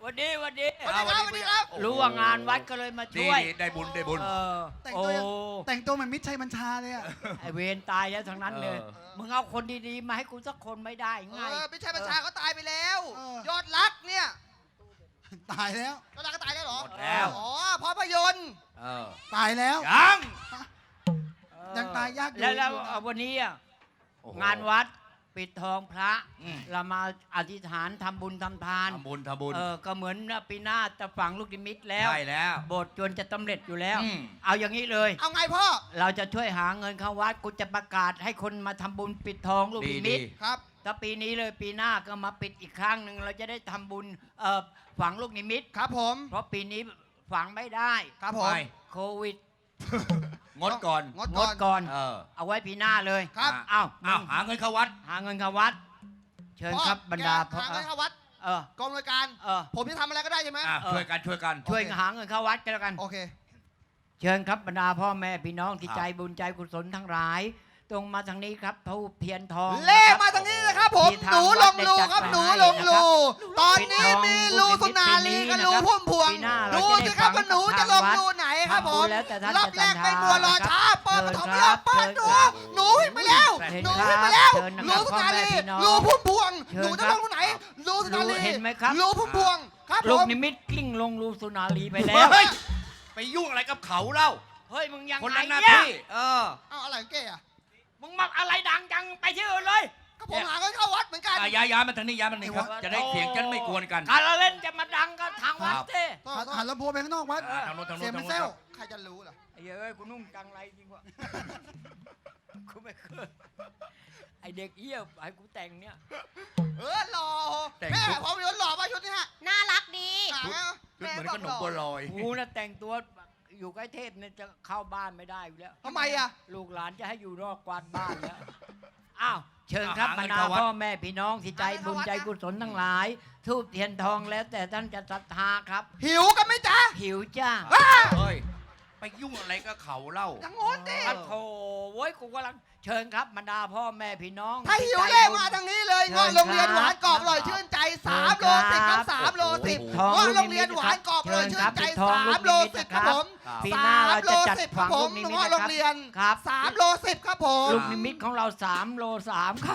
[SPEAKER 2] วันดีวันดี
[SPEAKER 1] สวัสดีครับสวัสดีครับ
[SPEAKER 2] รู้ว่างานวัดก็เลยมา
[SPEAKER 8] ดี
[SPEAKER 2] ช่วย
[SPEAKER 8] ดีได้บุญได้บุญ
[SPEAKER 2] เออ
[SPEAKER 3] แต่ง
[SPEAKER 2] โอ้
[SPEAKER 3] ตัวแต่งตัวเหมือนมิตรชัยบัญชาเลยอะ
[SPEAKER 2] ไอเวรตายแล้วทั้งนั้นเลย
[SPEAKER 8] เออ
[SPEAKER 2] มึงเอาคนดีๆมาให้กูสักคนไม่ได้
[SPEAKER 1] เอ
[SPEAKER 2] ไง
[SPEAKER 1] อไม่ใช่ประชาเขาตายไปแล้ว
[SPEAKER 3] เออ
[SPEAKER 1] ยอดรักเนี่ย
[SPEAKER 3] ตายแล้ว
[SPEAKER 1] ยอดรักก็ตายแล้วเหรอ
[SPEAKER 8] หมดแล้ว
[SPEAKER 1] อ๋อภาพยนตร์
[SPEAKER 8] เออ
[SPEAKER 3] ตายแล้ว
[SPEAKER 8] ยัง
[SPEAKER 3] ยังตายยากอยู่
[SPEAKER 2] แล้วแล้วเอาวันนี้อะ
[SPEAKER 8] โอ้โห
[SPEAKER 2] งานวัดปิดทองพระ
[SPEAKER 8] อืม
[SPEAKER 2] เรามาอธิษฐานทำบุญทำทาน
[SPEAKER 8] ทำบุญทำบุญ
[SPEAKER 2] เออก็เหมือนปีหน้าจะฝังลูกนิมิตแล้ว
[SPEAKER 8] ใช่แล้ว
[SPEAKER 2] โบสถ์จนจะสำเร็จอยู่แล้ว
[SPEAKER 8] อืม
[SPEAKER 2] เอาอย่างนี้เลย
[SPEAKER 1] เอาไงพ่อ
[SPEAKER 2] เราจะช่วยหาเงินเข้าวัดกูจะประกาศให้คนมาทำบุญปิดทองลูก
[SPEAKER 8] ดี
[SPEAKER 2] นิมิต
[SPEAKER 8] ดี
[SPEAKER 1] ครับ
[SPEAKER 2] ถ้าปีนี้เลยปีหน้าก็มาปิดอีกครั้งหนึ่งเราจะได้ทำบุญเอ่อฝังลูกนิมิต
[SPEAKER 1] ครับผม
[SPEAKER 2] เพราะปีนี้ฝังไม่ได้
[SPEAKER 1] ครับผม
[SPEAKER 8] ไป
[SPEAKER 2] โควิด
[SPEAKER 8] งดก่อน
[SPEAKER 1] งด
[SPEAKER 2] ง
[SPEAKER 1] ก่อ
[SPEAKER 2] ด
[SPEAKER 1] น
[SPEAKER 2] ก่อน
[SPEAKER 8] เออ
[SPEAKER 2] เอาไว้ปีหน้าเลย
[SPEAKER 1] ครับ
[SPEAKER 2] อ้าว
[SPEAKER 8] อ้าวหาเงินเข้าวัด
[SPEAKER 2] หาเงินเข้าวัด เชิญครับบรรดา
[SPEAKER 1] พ่อแกหาเงินเข้าวัด
[SPEAKER 2] เออก
[SPEAKER 1] องหน่วยการ
[SPEAKER 2] เออ
[SPEAKER 1] ผมจะทำอะไรก็ได้ใช่ไหม
[SPEAKER 8] อ่ะ
[SPEAKER 2] เออ
[SPEAKER 8] ช่วยกันช่วยกัน
[SPEAKER 2] ช่วย
[SPEAKER 1] โอเค
[SPEAKER 2] หาเงินเข้าวัดกันแล้วกัน
[SPEAKER 1] โอเค
[SPEAKER 2] เชิญครับบรรดาพ่อแม่พี่น้องที่
[SPEAKER 8] ครับ
[SPEAKER 2] ใจบุญใจกุศลทั้งหลาย ตรงมาทางนี้ครับทูปเทียนทอง
[SPEAKER 1] เล่
[SPEAKER 2] นะครับ
[SPEAKER 1] มาทางนี้นะครับผม
[SPEAKER 2] ที่
[SPEAKER 1] ห
[SPEAKER 2] ทาง
[SPEAKER 1] นูลงรู
[SPEAKER 2] วัดได้จัด
[SPEAKER 1] ครับ
[SPEAKER 2] ไว้
[SPEAKER 1] หนู
[SPEAKER 2] ให้
[SPEAKER 1] ลงรู
[SPEAKER 2] นะครับ
[SPEAKER 1] ตอนนี้มีรูสุนารีกับรูพุ่มพวง
[SPEAKER 2] ปีหน้าเรา
[SPEAKER 1] ดู
[SPEAKER 2] จะได้
[SPEAKER 1] สิครับ
[SPEAKER 2] ฟั
[SPEAKER 1] ว่าง หนูจะลงรูไหนครับผม
[SPEAKER 2] ทำบุญแล้วแต่ท่าน
[SPEAKER 1] รอบแรก
[SPEAKER 2] จะ
[SPEAKER 1] ไม่มัวรอช้า
[SPEAKER 2] เชิ
[SPEAKER 1] เปิด
[SPEAKER 2] ญ
[SPEAKER 1] ปฐม
[SPEAKER 2] ค
[SPEAKER 1] ย
[SPEAKER 2] รั
[SPEAKER 1] อบ ดเปิดดู
[SPEAKER 2] เชิญครับ
[SPEAKER 1] หนูขึ้นไปแล้ว
[SPEAKER 2] เชิญ
[SPEAKER 1] หนู
[SPEAKER 2] ครับ
[SPEAKER 1] ขึ้นไปแล้ว
[SPEAKER 2] เชิญนะครับ
[SPEAKER 1] รูสุนารี
[SPEAKER 2] พ่อแม่พี่น้อง
[SPEAKER 1] รูพุ่มพวง
[SPEAKER 2] เชิญ
[SPEAKER 1] หนูจะ
[SPEAKER 2] ค
[SPEAKER 1] ล
[SPEAKER 2] รับ
[SPEAKER 1] งรูไหนรูสุนารี
[SPEAKER 2] เห็นไหมครับ
[SPEAKER 1] รูพุ่มพวงครับผ
[SPEAKER 2] ลูก
[SPEAKER 1] ม
[SPEAKER 2] นิมิตกลิ้งลงรูสุนารีไปแล้ว
[SPEAKER 8] เฮ้ยไปยุ่งอะไรกับเขาเล่า
[SPEAKER 2] เฮ้ยมึงยัง
[SPEAKER 8] คน
[SPEAKER 2] ไง
[SPEAKER 8] ละหน้า
[SPEAKER 2] เนี่ย
[SPEAKER 8] ที่เออ
[SPEAKER 1] เอาอะไรของเก๋อะ
[SPEAKER 2] มึงมาอะไรดังจังไปที่อื่นเลย
[SPEAKER 1] ก็ผมหาเงินเข้าวัดเหมือนกัน
[SPEAKER 8] อ่ะย้ายย้ายมาทางนี้ย้ายมาทางนี้ครับ จะได้เสียงกันไม่กวนกัน
[SPEAKER 2] การละเล่นจะมาดังก็ทางวัด
[SPEAKER 8] ครับ
[SPEAKER 2] เต้
[SPEAKER 3] หันหันลำโพงไปข้างนอกวัด
[SPEAKER 8] อ่ะทางโน้นทางโน้
[SPEAKER 3] เสีย
[SPEAKER 8] น
[SPEAKER 3] ง
[SPEAKER 8] ทาง
[SPEAKER 3] มัน
[SPEAKER 8] โน้น
[SPEAKER 3] เซล
[SPEAKER 8] ครับ
[SPEAKER 1] ใครจะรู้ล่ะ
[SPEAKER 2] ไอ้เอ้ยกูนุ่งจังไรจริงวะ กูไม่เคยไอเด็กเอี้ยให้กูแต่งเนี่ย
[SPEAKER 1] เออหล่อ
[SPEAKER 8] แต่ง
[SPEAKER 1] แม่
[SPEAKER 8] ชุด
[SPEAKER 1] ผมเป็นหล่อป่ะชุดนี้ฮะ
[SPEAKER 6] น่ารักดี
[SPEAKER 1] หา
[SPEAKER 8] ชุดเหมือนขนมบัวลอย
[SPEAKER 2] กูน่ะแต่งตัวอยู่ใกล้เทพเนี่ยจะเข้าบ้านไม่ได้อยู่แล้ว
[SPEAKER 1] ทำไมอะ
[SPEAKER 2] ลูกหลานจะให้อยู่นอกกวาดบ้านแล้ว อ้าว เชิญครับ
[SPEAKER 8] อ่ะ
[SPEAKER 2] บร
[SPEAKER 8] หาร เงิน
[SPEAKER 2] ดา
[SPEAKER 8] เข้าวัด
[SPEAKER 2] พ่อแม่พี่น้องที่ใจบุญใจกุศลทั้งหลาย ทูบเทียนทองแล้วแต่ท่านจะศรัทธาครับ
[SPEAKER 1] หิวกันไหมจ๊ะ
[SPEAKER 2] หิวจ้า
[SPEAKER 8] เฮ้ย ไปยุ่งอะไรกับเขาเล่า
[SPEAKER 1] อย่างงู้นดิ
[SPEAKER 2] โอ้โถโว้ยกูกำลังเชิญครับบรรดาพ่อแม่พี่น้อง
[SPEAKER 1] ถ้าหิว
[SPEAKER 2] ที่ใจ
[SPEAKER 1] เล่
[SPEAKER 2] บุญ
[SPEAKER 1] มาทางนี้เลย
[SPEAKER 2] เชิญ
[SPEAKER 1] เงาะโรงเรียน
[SPEAKER 2] ครับ
[SPEAKER 1] หวานกรอบอร่อยชื่นใจสามโลสิบครับสามโลสิบ
[SPEAKER 2] ทอง
[SPEAKER 1] เงาะ
[SPEAKER 2] ลูก
[SPEAKER 1] โรง
[SPEAKER 2] นิ
[SPEAKER 1] เรี
[SPEAKER 2] มิ
[SPEAKER 1] ยน
[SPEAKER 2] ต
[SPEAKER 1] หวานกรอบอร่อย
[SPEAKER 2] เชิญ
[SPEAKER 1] ชื่
[SPEAKER 2] ครับ
[SPEAKER 1] นใจ
[SPEAKER 2] ปิดทอง
[SPEAKER 1] สา
[SPEAKER 2] ลู
[SPEAKER 1] ม
[SPEAKER 2] ก
[SPEAKER 1] โล
[SPEAKER 2] นิมิต
[SPEAKER 1] สิบ
[SPEAKER 2] นะ
[SPEAKER 1] ค
[SPEAKER 2] ครั
[SPEAKER 1] รับบ ผม
[SPEAKER 2] ปีหน้าเราจะจัด
[SPEAKER 1] สมโลสิบค
[SPEAKER 2] ฝั
[SPEAKER 1] รับ
[SPEAKER 2] ง
[SPEAKER 1] ผ
[SPEAKER 2] ลู
[SPEAKER 1] ม
[SPEAKER 2] กนิมิต
[SPEAKER 1] เงาะ
[SPEAKER 2] นะ
[SPEAKER 1] โร
[SPEAKER 2] ค
[SPEAKER 1] ง
[SPEAKER 2] รับ
[SPEAKER 1] เรียน
[SPEAKER 2] ครับ
[SPEAKER 1] สามโลสิบครับผม
[SPEAKER 2] ลูกนิมิตของเราสามโลสามครับ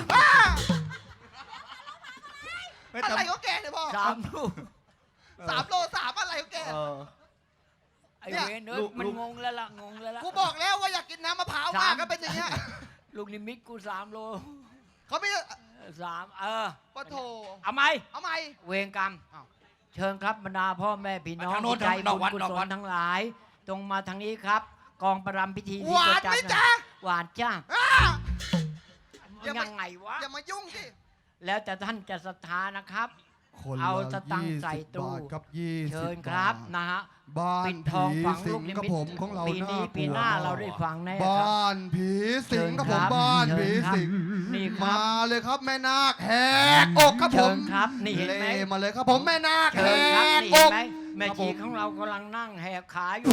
[SPEAKER 1] อะไรของแกเนี่ยพ่อ
[SPEAKER 2] สามลูก
[SPEAKER 1] สามโลสามอะไรของแก
[SPEAKER 8] เออ
[SPEAKER 2] ไอ้เวนเอ้ย
[SPEAKER 8] ลูก
[SPEAKER 2] มัน
[SPEAKER 8] ลูก
[SPEAKER 2] งงแล้วล่ะงงแล้วล่ะ
[SPEAKER 1] กูบอกแล้วว่าอยากกินน้ำมะพร้าวมากก็เป็นอย่างเงี้ย
[SPEAKER 2] ลูกนิมิตกูสามโล
[SPEAKER 1] เขาไม่
[SPEAKER 2] สามเออ
[SPEAKER 1] ปะโถ
[SPEAKER 2] เอาไหม
[SPEAKER 1] เอาไหม
[SPEAKER 2] เวรกรรม
[SPEAKER 1] อ้าว
[SPEAKER 2] เชิญครับบรรดาพ่อแม่พี่น้อง
[SPEAKER 8] ทางโน้น
[SPEAKER 2] ที่ใจ
[SPEAKER 8] นอก
[SPEAKER 2] บุญ
[SPEAKER 8] วัด
[SPEAKER 2] กุ
[SPEAKER 8] นอก
[SPEAKER 2] ศ
[SPEAKER 8] วั
[SPEAKER 2] ล
[SPEAKER 8] ด
[SPEAKER 2] ทั้งหลาย ตรงมาทางนี้ครับ กองประรำพิธี
[SPEAKER 1] ห
[SPEAKER 2] ที่
[SPEAKER 1] วาน
[SPEAKER 2] จั
[SPEAKER 1] ไหม
[SPEAKER 2] ด
[SPEAKER 1] จ๊ะ
[SPEAKER 2] หวานจ้า
[SPEAKER 1] อ้า อย่ามา
[SPEAKER 2] ยังไงวะ
[SPEAKER 1] อย่ามายุ่งสิ
[SPEAKER 2] แล้วแต่ท่านจะศรัทธานะครับ
[SPEAKER 3] คน
[SPEAKER 2] เอา
[SPEAKER 3] ละ
[SPEAKER 2] สตังค์
[SPEAKER 3] ยี่
[SPEAKER 2] ใส่
[SPEAKER 3] สิบ
[SPEAKER 2] ตู้
[SPEAKER 3] บาทครับยี่สิบ
[SPEAKER 2] เชิญครับ
[SPEAKER 3] าท
[SPEAKER 2] นะฮะ
[SPEAKER 3] บ้า
[SPEAKER 2] ปิ
[SPEAKER 3] น
[SPEAKER 2] ดทอง
[SPEAKER 3] ผี
[SPEAKER 2] ฝัง
[SPEAKER 3] สิ
[SPEAKER 2] ลู
[SPEAKER 3] ง
[SPEAKER 2] กนิ
[SPEAKER 3] กับ
[SPEAKER 2] มิต
[SPEAKER 3] ผมของเรา
[SPEAKER 2] ปีนี้
[SPEAKER 3] น่ากลัว
[SPEAKER 2] ปีหน้าเราได้ฟังแน่ครับ
[SPEAKER 3] บ้านผีสิงกับผม
[SPEAKER 2] เชิญครับ
[SPEAKER 3] บ้าน
[SPEAKER 2] เชิ
[SPEAKER 3] ผี
[SPEAKER 2] ญครับ
[SPEAKER 3] สิง
[SPEAKER 2] นี่ครับ
[SPEAKER 3] มาเลยครับแม่นาคแหกอกครับผ
[SPEAKER 2] เชิ
[SPEAKER 3] ม
[SPEAKER 2] ญครับนี่เห็นไหม
[SPEAKER 3] ล่มาเลยครับผมแม่นาค
[SPEAKER 2] เชิ
[SPEAKER 3] แห
[SPEAKER 2] ญครับนี่เห็น
[SPEAKER 3] กอก
[SPEAKER 2] ไหมแม่
[SPEAKER 3] ครับผ
[SPEAKER 2] ชี
[SPEAKER 3] ม
[SPEAKER 2] ของเรากำลังนั่งแหกขาอยู่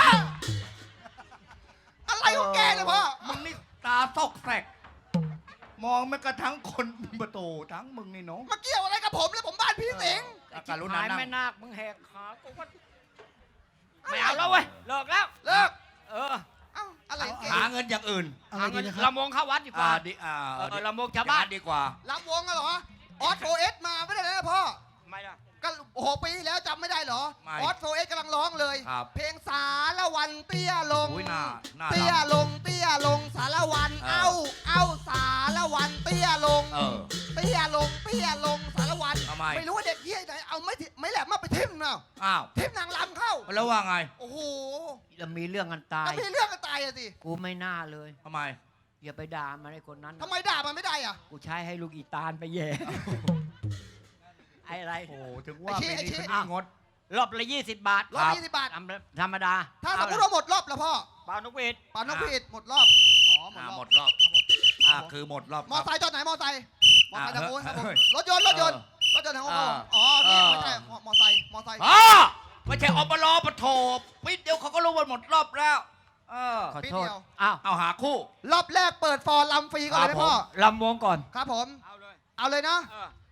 [SPEAKER 1] อะไรของแกเนี่ยพ่อ
[SPEAKER 8] มึงนี่ตาซอกแสก มองไม่กระทั่งคนประตูทั้งมึงนี่เนาะ
[SPEAKER 1] มาเกี่ยวอะไรกับผมเลยผมบ้านผีสิง
[SPEAKER 8] อาการุ
[SPEAKER 2] หา
[SPEAKER 8] ณาย นั่ง
[SPEAKER 2] แม่นาคมึงแหกขากูก็ไม่เอาแล้วเว้ยเลิกแล้ว
[SPEAKER 1] เลิก
[SPEAKER 2] เออ
[SPEAKER 1] เอ้าอะไรของแก
[SPEAKER 8] หาเงินอย่างอื่น
[SPEAKER 3] อะไร
[SPEAKER 2] หา
[SPEAKER 3] ดี
[SPEAKER 2] เงิน
[SPEAKER 3] นะครับ
[SPEAKER 2] ลำวงเข้าวัดดีก
[SPEAKER 8] อ่า
[SPEAKER 2] ว่า
[SPEAKER 8] ดีอ่า
[SPEAKER 2] เออเอ
[SPEAKER 8] ดี
[SPEAKER 2] อลำวงชาวบ้าน
[SPEAKER 8] อย่งดีกว่า
[SPEAKER 1] ลำวงอะเหรอออสโฟเอสมาไม่ได้เลยนะพ่อ
[SPEAKER 2] ไม่ละ
[SPEAKER 1] ก็โอ้โหปีที่แล้วจำไม่ได้เหรอ
[SPEAKER 8] ไม่
[SPEAKER 1] ออสโฟเอสกำลังร้องเลย
[SPEAKER 8] ครับ
[SPEAKER 1] เพลงสารวันเตี้ยลง
[SPEAKER 8] อุ้ยหน้าหน้า
[SPEAKER 1] เตี้ย
[SPEAKER 8] ดำ
[SPEAKER 1] ลงเตี้ยลงสารวัน
[SPEAKER 8] เออ
[SPEAKER 1] เอ้าเอ้าสารวันเตี้ยลง
[SPEAKER 8] เออ
[SPEAKER 1] เตี้ยลงเตี้ยลงสารวัน
[SPEAKER 8] ทำไม
[SPEAKER 1] ไม่รู้ว่าเด็กเฮียไหนเอาไม่ทิไม่แหลมมาไปทิมเนาะ
[SPEAKER 8] อ้าว
[SPEAKER 1] ทิมนางลำเข้า
[SPEAKER 8] แล้วว่าไง
[SPEAKER 1] โอ้โห
[SPEAKER 2] จะมีเรื่องกันตา
[SPEAKER 1] ก็
[SPEAKER 2] ย
[SPEAKER 1] มีเรื่องกันตายอะสิ
[SPEAKER 2] กูไม่น่าเลย
[SPEAKER 8] ทำไม
[SPEAKER 2] อย่าไปด่ามันไอ้คนนั้น
[SPEAKER 1] ทำไมด่ามันไม่ได้อะ
[SPEAKER 2] กูใช้ให้ลูกอีตาลไปแย่ ไอ้อะไร
[SPEAKER 8] โอ้ถึงว่าปีนี้คนนี้งด
[SPEAKER 2] รอบละยี่สิบบาท
[SPEAKER 1] รอบยี่สิบบาท
[SPEAKER 2] ธรรมธรรมดา
[SPEAKER 1] ถ้าสมมติว่าหมดรอบแล้วพ่อ
[SPEAKER 2] เปล่านกหวีด
[SPEAKER 1] ปานนกพีดหมดรอบอ๋อหมด
[SPEAKER 8] อ่าร
[SPEAKER 1] อบ
[SPEAKER 8] หมดรอบ
[SPEAKER 1] ครับผม
[SPEAKER 8] อ่าคือหมดรอบ
[SPEAKER 1] มอไซค์จอดไหนมอไซค์มอไซค์
[SPEAKER 8] อ่า
[SPEAKER 1] ทางโน้นครับผม
[SPEAKER 8] เฮ้ย
[SPEAKER 1] รถยนต์รถยนต์รถยนต์ทางโน้นครับผมอ๋อนี่ไม่ใช่มอมอไซค์มอไซค์
[SPEAKER 8] อ๋อไม่ใช่อบลปะโถปิดเดียวเขาก็รู้ว่าหมดรอบแล้ว เออ
[SPEAKER 2] ขอ
[SPEAKER 1] ปี
[SPEAKER 2] โทษ
[SPEAKER 1] เดียว
[SPEAKER 2] อ้าว
[SPEAKER 8] เอาหาคู่
[SPEAKER 1] รอบแรกเปิดฟอร์ลำฟรีก่อนเลยไหมพ่อ
[SPEAKER 2] ลำวงก่อน
[SPEAKER 1] ครับผม
[SPEAKER 2] เอาเลย
[SPEAKER 1] เอาเลยนะ
[SPEAKER 2] เออ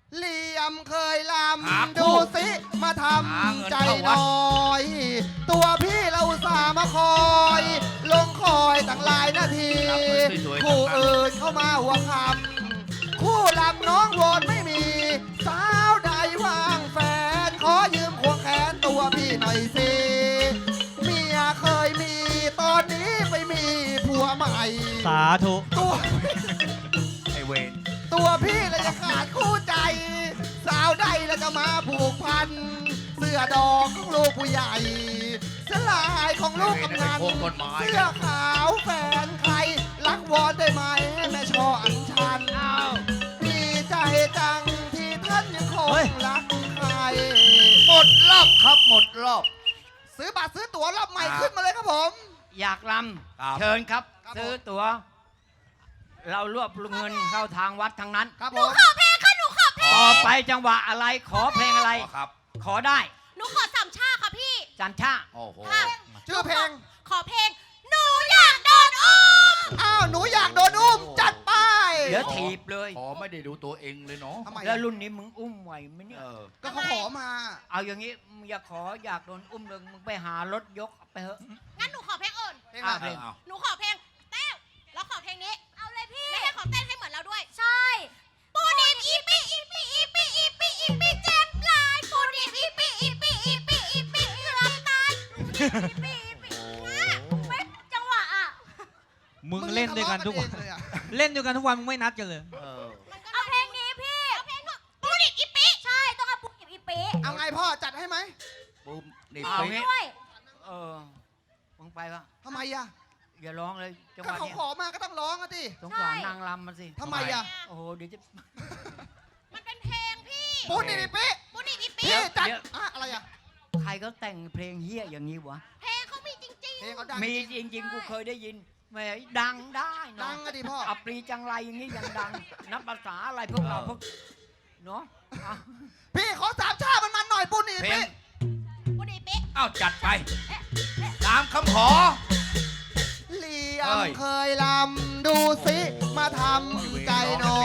[SPEAKER 1] เหลี่ยมเคยล
[SPEAKER 8] หา
[SPEAKER 1] ำ
[SPEAKER 8] คู่
[SPEAKER 1] ดูสิมาท
[SPEAKER 8] หาเงิน
[SPEAKER 1] ำใจ
[SPEAKER 8] เข้าวัด
[SPEAKER 1] น้อย ตัวพี่เราอุตสาห์มาคอย ลงคอยตั้งหลายนาที
[SPEAKER 8] รับเงินสวยๆ
[SPEAKER 1] คู่
[SPEAKER 8] ทั้งนั้น
[SPEAKER 1] อื่นเข้ามาหัวคำคู่ลำน้องโวนไม่มี สาวใดว่างแฟน ขอยืมควงแขนตัวพี่หน่อยสิเมียเคยมีตอนนี้ไปมีผัวใหม่
[SPEAKER 4] สาธุ
[SPEAKER 1] ตัว
[SPEAKER 8] ไอเวน
[SPEAKER 1] ตัวพี่เลยจะขาดคู่ใจ สาวใดแล้วจะมาผูกพัน เสื้อดอกของลูกผู้ใหญ่เสื้อลายของลูกกำนัน
[SPEAKER 8] ไอ้เวรนั่นไปโค้งต้นไม้
[SPEAKER 1] เสื้อขาวแฟนใคร รักวอนได้ไหมแม่ชออัญชัน
[SPEAKER 2] เอา
[SPEAKER 1] ดีใจจังที่ท่านยังคง
[SPEAKER 4] เฮ้ย
[SPEAKER 1] รักใคร
[SPEAKER 8] หมดรอบครับหมดรอบ
[SPEAKER 1] ซื้อบัตรซื้อตั๋วรอบใหม่
[SPEAKER 8] ครับ
[SPEAKER 1] ขึ้นมาเลยครับผม
[SPEAKER 2] อยากล
[SPEAKER 8] ครับ
[SPEAKER 2] ำเชิญครับ
[SPEAKER 1] ครับ
[SPEAKER 2] ซื้อตั๋ว เรารวบเงินเข้าทางวัดทั้งนั้น
[SPEAKER 1] ครับ
[SPEAKER 6] ห
[SPEAKER 1] ผ
[SPEAKER 6] นู
[SPEAKER 1] ม
[SPEAKER 6] ขอเพลงค่ะ หนูขอเพลง
[SPEAKER 2] ต่อไปจังหวะอะไรขอเพลงอะไร
[SPEAKER 8] อ๋อครับ
[SPEAKER 2] ขอได้
[SPEAKER 6] หนูขอสามชาค่ะพี่
[SPEAKER 2] จำชา
[SPEAKER 8] โอ้โห
[SPEAKER 6] ค่ะ
[SPEAKER 1] ชื่อเพลง
[SPEAKER 6] ขอเพลง หนูอยากโดนอุ้ม
[SPEAKER 1] อ้าวหนูอยากโดนอุ้มจัดไป
[SPEAKER 2] เดี๋ยวถีบเลย
[SPEAKER 8] ขอไม่ได้ดูตัวเองเลยเนาะ
[SPEAKER 1] ทำไม
[SPEAKER 2] แล้ว
[SPEAKER 1] อะ
[SPEAKER 2] รุ่นนี้มึงอุ้มไหวไหมเนี่ย
[SPEAKER 8] เออ
[SPEAKER 1] ก็เขาขอมา
[SPEAKER 2] เอาอย่างนี้มึงอย่าขออยากโดนอุ้มเลยมึงไปหารถยกไปเถอะ
[SPEAKER 6] งั้นหนูขอเพลงอื่น
[SPEAKER 1] เพลงอะไร
[SPEAKER 2] อ่ะเพลง
[SPEAKER 8] เอา
[SPEAKER 6] หนูขอเพลงแต้วแล้วขอเพลงนี้ เอาเลยพี่แล้วให้เขาเต้นให้เหมือนเราด้วย ใช่ ปูดิบอีปีอีปีอีปีอีปีอีปีเจ็บหลาย ปูดิบอีปีอีปีอีปีอีปีเกือบตายปูดิบอีปีอีปีไม่จังหวะอ่ะ
[SPEAKER 4] มึงเล่นด้วยกันทุกวัน
[SPEAKER 1] มึงทะเลาะเองเลยอะ
[SPEAKER 4] เล่นด้วยกันทุกวันมึงไม่นัดกันเลย
[SPEAKER 8] เออ
[SPEAKER 6] เอาเพลงนี้พี่ เอาเพลงปูดิบอีปีใช่ ต้องเอาปูดิบอีปี
[SPEAKER 1] เอาไงพ่อจัดให้ไหม
[SPEAKER 8] ปุ๊บนี่
[SPEAKER 2] เอา
[SPEAKER 8] ไป
[SPEAKER 2] งี้
[SPEAKER 6] ด้วย
[SPEAKER 2] เออมึงไปปะ
[SPEAKER 1] ทำไมอะ
[SPEAKER 2] อย่าร้องเลยจังห
[SPEAKER 1] ก็
[SPEAKER 2] วะ
[SPEAKER 1] เขา
[SPEAKER 2] เนี้ย
[SPEAKER 1] ขอมาก็ต้องร้องอะดิ
[SPEAKER 2] สงสารนางรำมันสิ
[SPEAKER 1] ทำไมอะ
[SPEAKER 2] โอ้โหเดี๋ยวจะ
[SPEAKER 6] มันเป็นเพลงพี่
[SPEAKER 1] ปูนี่ดิปิ
[SPEAKER 6] ปูดิบอีปี
[SPEAKER 1] พี่จัด
[SPEAKER 2] เดี๋ยว
[SPEAKER 1] อะอะไรอะ
[SPEAKER 2] ใครก็แต่งเพลงเฮี้ยอย่างนี้วะ
[SPEAKER 6] เพลงเขามีจริง
[SPEAKER 1] เพลงเขาดัง
[SPEAKER 2] มีจริงๆ กูเคยได้ยินแหมดังได้เน
[SPEAKER 1] ดั
[SPEAKER 2] อะ
[SPEAKER 1] งอะดิพ่อ
[SPEAKER 2] อัปรีจังไรอย่างนี้ยังดัง นับภาษาอะไรพวกเราพวกเนาะอ่ะ
[SPEAKER 1] พี่ขอสามชาติมันมันๆหน่อยปูนี่
[SPEAKER 8] เพล
[SPEAKER 1] ปิ
[SPEAKER 8] ง
[SPEAKER 6] ๆปูดิบอีปี
[SPEAKER 8] เอ้าจัดไป ตามคำขอ
[SPEAKER 1] เหลี่ย
[SPEAKER 8] เอ้
[SPEAKER 1] ม
[SPEAKER 8] ย
[SPEAKER 1] เคยลำดูสิมาทำใจหน่อย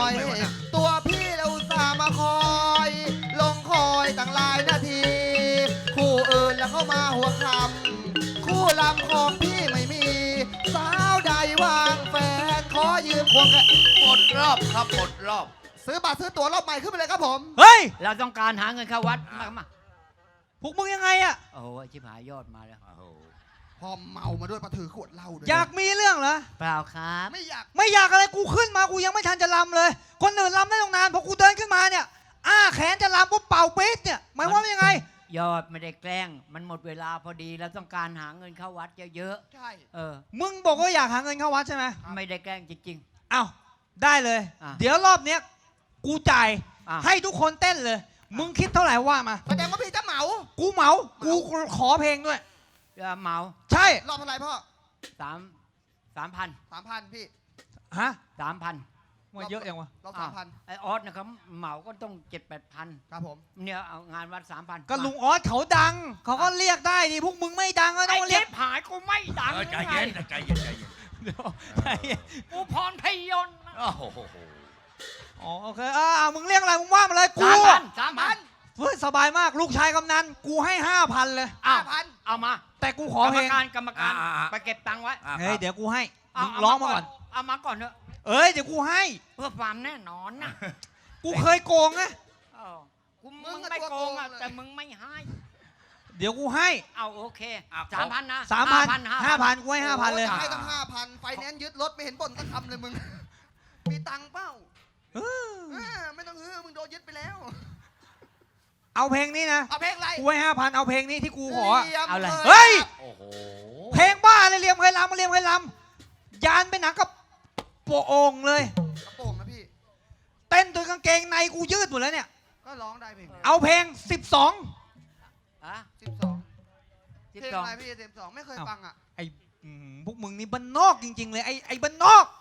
[SPEAKER 1] ตัวพี่เราอุตสาห์มาคอย ลงคอยตั้งหลายนาที คู่อื่นแล้วเข้ามาหัวคำคู่ลำของพี่ไม่มี สาวใดว่างแฟน ขอยืมควงแขน
[SPEAKER 8] หมดรอบครับหมดรอบ
[SPEAKER 1] ซื้อบัตรซื้อตั๋วรอบใหม่ขึ้นไปเลยครับผม
[SPEAKER 4] เฮ้ย
[SPEAKER 2] เราต้องการหาเงินเข้าวัดมามา
[SPEAKER 4] พวกมึงยังไงอะ
[SPEAKER 2] โอ้โหชิบหายยอดมาแล้ว
[SPEAKER 8] โอ้โห
[SPEAKER 1] พอเมามาด้วยมาถือขวดเหล้าด้วย
[SPEAKER 4] อยากมีเรื่องเหรอ
[SPEAKER 2] เปล่าครับ
[SPEAKER 1] ไม่อยาก
[SPEAKER 4] ไม่อยากอะไรกูขึ้นมากูยังไม่ทันจะลำเลย คนอื่นลำได้ตรงนานพอกูเดินขึ้นมาเนี่ย อ้าแขนจะลำปุ๊บเป่าปี๊ดเนี่ยหมายความว่ายังไง
[SPEAKER 2] ยอดไม่ได้แกล้ง มันหมดเวลาพอดีเราต้องการหาเงินเข้าวัดเยอะ
[SPEAKER 1] ใช่
[SPEAKER 2] ๆเออ
[SPEAKER 4] มึงบอกว่าอยากหาเงินเข้าวัดใช่ไหม
[SPEAKER 2] ไม่ได้แกล้งจริง
[SPEAKER 4] เอ้าได้เลย
[SPEAKER 2] อ่ะ
[SPEAKER 4] เดี๋ยวรอบเนี้ยกูจ่าย
[SPEAKER 2] อ่ะ
[SPEAKER 4] ให้ทุกคนเต้นเลย มึงคิดเท่าไหร่ว่ามา
[SPEAKER 1] แสดงว่าพี่จะเหมา
[SPEAKER 4] กูเหมา กูขอเพลงด้วย
[SPEAKER 2] ๆจะเหมา
[SPEAKER 4] ใช่
[SPEAKER 1] รอบเท่าไหร่พ่อ
[SPEAKER 2] สามสามพัน
[SPEAKER 1] สามพันพี่
[SPEAKER 4] ฮะ
[SPEAKER 2] สามพัน
[SPEAKER 4] มันเยอะยังวะ
[SPEAKER 1] รอบสามพัน
[SPEAKER 2] ไอออสนะครับเหมาก็ต้องเจ็ดแปดพัน
[SPEAKER 1] ครับผม
[SPEAKER 2] เนี่ยเอางานวัดสามพัน
[SPEAKER 4] ก็ลุงออสเขาดัง เขาก็เรียกได้ดิพวกมึงไม่ดังก็ต้
[SPEAKER 2] ไอ้
[SPEAKER 4] องเรี
[SPEAKER 2] เจ็
[SPEAKER 4] ยก
[SPEAKER 2] บหายกูไม่ดัง
[SPEAKER 8] เออใจ
[SPEAKER 2] หรือไง
[SPEAKER 8] เย็นใจเย็นใจเย็น
[SPEAKER 4] เดี๋ยวใจเย็น
[SPEAKER 2] กูพรพยนต์นะ
[SPEAKER 8] โอ้โห
[SPEAKER 4] อ๋อโอเคอ่ามึงเรียกอะไรมึงว่ามาเลยกู
[SPEAKER 2] สามพันสามพัน
[SPEAKER 4] เฮ้ยสบายมากลูกชายกำนันกูให้ห้าพันเลย
[SPEAKER 2] อ้า
[SPEAKER 1] ห้าว พัน
[SPEAKER 2] เอามา
[SPEAKER 4] แต่กูข
[SPEAKER 2] ก
[SPEAKER 4] อ
[SPEAKER 2] รร
[SPEAKER 4] เพ
[SPEAKER 2] ม
[SPEAKER 4] ลง
[SPEAKER 2] การกรรมการ
[SPEAKER 8] อ่าๆ
[SPEAKER 2] ไปเก็บตังค์ไว้
[SPEAKER 8] อ่ะ
[SPEAKER 4] เฮ้ยเดี๋ยวกูให้
[SPEAKER 2] เา
[SPEAKER 4] มึงร้องมาก่อน
[SPEAKER 2] เอามาก่อนเถอะ
[SPEAKER 4] เอ้ยเดี๋ยวกูให้
[SPEAKER 2] เพื่อความแน่นอนนะ
[SPEAKER 4] กูเคยโกงนะ
[SPEAKER 2] เออกูมึงไม่โกงอ่ะแต่มึงไม่ให้
[SPEAKER 4] เดี๋ยวกูให้
[SPEAKER 2] เอาโอเค
[SPEAKER 8] อ่ะ
[SPEAKER 2] สามพันนะ
[SPEAKER 4] สามพัน
[SPEAKER 2] ห้า
[SPEAKER 4] ห้าพันกูให้ห้าพันเลย
[SPEAKER 1] โอ้ให้ตั้งห้าพันไฟแนนซ์ยึดรถไม่เห็นบ่นสักคำเลยมึง มีตังค์เปล่า
[SPEAKER 4] เออ
[SPEAKER 1] เออไม่ต้องฮือมึงโดนยึดไปแล้ว
[SPEAKER 4] เอาเพลงนี้นะ
[SPEAKER 1] เอาเพลงอะไร
[SPEAKER 4] กูให้ห้าพันเอาเพลงนี้ที่กูขออะ
[SPEAKER 1] ลี่ยม
[SPEAKER 2] เอาอะไร
[SPEAKER 1] ค
[SPEAKER 4] เฮ้ย
[SPEAKER 8] โอ้โห
[SPEAKER 4] เพลงบ้าเลยเรียมเคยลำมาเรียมเคยลำยานเป็นหนังกับโปะโองเลย
[SPEAKER 1] กระโปรงนะพี่
[SPEAKER 4] เต้นโดยกางเกงในกูยืดหมดแล้วเนี่ย
[SPEAKER 1] ก็ร้องได้เพลง
[SPEAKER 4] เอาเพลงสิบสอง
[SPEAKER 2] อ่ะ
[SPEAKER 1] สิบสอง
[SPEAKER 2] สิบ
[SPEAKER 1] เพลง
[SPEAKER 2] สอง
[SPEAKER 1] อะไรพี่สิบสองไม่เคยฟังอ่ะ
[SPEAKER 4] ไอ้อืมพวกมึงนี่บ้านนอกจริง ๆ เลยไอ้ไอ้บ้านนอก